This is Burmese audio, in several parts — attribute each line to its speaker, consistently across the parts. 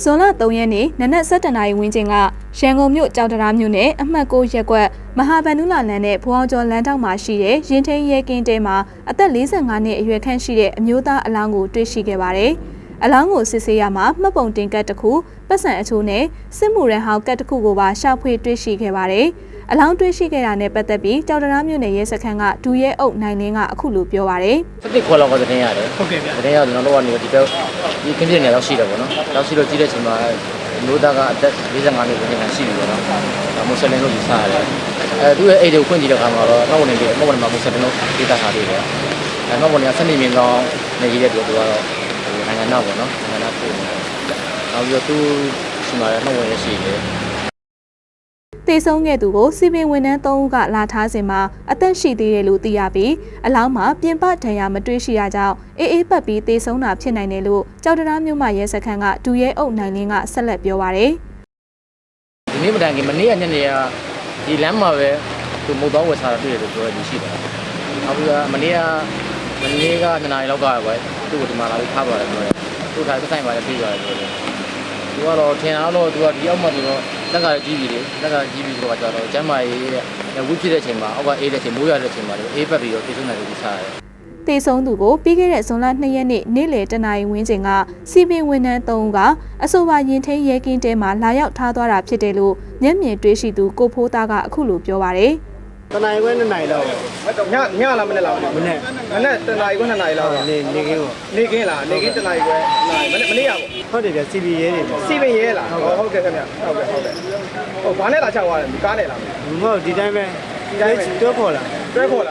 Speaker 1: ဇွန်လ3ရက်နေ့နနက်7:00 နာရီဝန်းကျင်ကရန်ကုန်မြို့ကြောက်တရားမြို့နယ်အမှတ်6ရပ်ကွက်မဟာဗန္ဓုလလမ်းနဲ့ဘူအောင်ကျော်လမ်းထောက်မှာရှိတဲ့ရင်ထိန်ရဲကင်းတဲမှာအသက်45နှစ်အရွယ်ခန့်ရှိတဲ့အမျိုးသားအလောင်းကိုတွေ့ရှိခဲ့ပါတယ်။အလောင်းကိုစစ်ဆေးရမှာမှတ်ပုံတင်ကတ်တစ်ခုပတ်စံအချိုးနဲ့စစ်မှုရန်ဟောင်းကတ်တစ်ခုကိုပါရှာဖွေတွေ့ရှိခဲ့ပါတယ်။အလောင်းတွေ့ရှိခဲ့တာနဲ့ပတ်သက်ပြီးကြောက်တရားမြို့နယ်ရဲစခန်းကဒူရဲအုပ်နိုင်လင်းကအခုလိုပြောပါတယ်
Speaker 2: ။တစ်ခွက်လောက်ကသတင်းရတယ်။ဟုတ်ကဲ့ဗျ။သတင်းရကျွန်တော်တို့ကနေဒီဘက်ဒီခင်းပြနေတော့ရှိတယ်ပေါ့နော်။နောက်ရှိတော့ကြည့်တဲ့အချိန်မှာမျိုးသားကအသက်45နှစ်ဝန်းကျင်ရှိပြီပေါ့နော်။မွတ်စလင်တို့ဒီစားရတယ်။သူ့ရဲ့အိတ်တွေကိုဖွင့်ကြည့်တဲ့အခါမှာတော့နောက်ဝင်နေမှမွတ်စလင်တို့ဒေသထားသေးတယ်။နောက်ဝင်ကစနေမြင်ကောင်းနေရတဲ့သူကတော့နိုင်ငံနောက်ပေါ့နော်။နိုင်ငံနောက်ပို့နေတယ်။နောက်ပြီးတော့သူရှိမှလည်းနောက်ဝင်ရရှိတယ်။
Speaker 1: တေဆုံးခဲ့သူကိုစီပင်ဝန်ထမ်း3ဦးကလာထားစဉ်မှာအသက်ရှိသေးတယ်လို့သိရပြီးအလောင်းမှာပြင်ပဒဏ်ရာမတွေ့ရှိရကြောင်းအေးပတ်ပြီးတေဆုံးတာဖြစ်နိုင်တယ်လို့ကြောက်တရားမြို့မှာရဲစခန်းကဒူရဲအုပ်နိုင်လင်းကဆက်လက်ပြောပါရယ်
Speaker 2: ။ဒီနေ့မတိုင်ခင်မနေ့ကညနေကဒီလမ်းမှာပဲသူမုတ်တော့ဝယ်စားတာတွေ့တယ်လို့ပြောရရှိတယ်။နောက်ပြီးတော့မနေ့က2 နာရီလောက်ကပဲသူ့ကိုဒီမှာလာပြီးထားပါတယ်ပြောတယ်။သူ့ထားဆိုင်ပါလေပြေးပါတယ်ပြောတယ်။သူကတော့ထင်အောင်လို့သူကဒီအောက်မှာသူတော့လက်ကကြီးပြီလေလက်ကကြီးပြီဆိုတော့ကျတော့ကျမ်းမာရေးတဲ့ဝိဖြစ်တဲ့အချိန်မှာအောက်ကအေးတဲ့အချိန်မိုးရတဲ့အချိန်မှာအေးပတ်ပြီးတော့ပြေဆုံးတယ်လို့စားရတယ်
Speaker 1: ။တေဆုံးသူကိုပြီးခဲ့တဲ့ဇွန်လ2ရက်နေ့နေ့လယ်1 နာရီဝန်းကျင်ကစီပင်ဝန်ထမ်း3ဦးကအဆိုပါရင်ထိန်ရဲကင်းတဲမှာလာရောက်ထားသွားတာဖြစ်တယ်လို့မျက်မြင်တွေ့ရှိသူကိုဖိုးသားကအခုလိုပြောပါရယ်
Speaker 3: တနာရီခွဲ2 နာရီလောက်ညလားမနေ့လားမနေ့တနာရီခွဲ2 နာရီလောက်နေကင်းကိုနေကင်းလားနေကင်းတနာရီခွဲမနေ့ရပေါ့ဟုတ်တယ်ဗျစီပီရဲတွေစီပင်ရဲလားဟုတ်ကဲ့ခင်ဗျဟုတ်ကဲ့ဟုတ်ဘာနဲ့လာချသွားတယ်ဒီကားနဲ့လားမဟုတ်ဒီတိုင်းပဲတွဲခေါ်လာ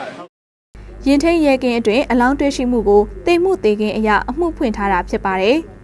Speaker 1: ရင်ထိန်ရဲကင်းအတွင်အလောင်းတွေ့ရှိမှုကိုတေမှုတေကင်းအရာအမှုဖွင့်ထားတာဖြစ်ပါတယ်။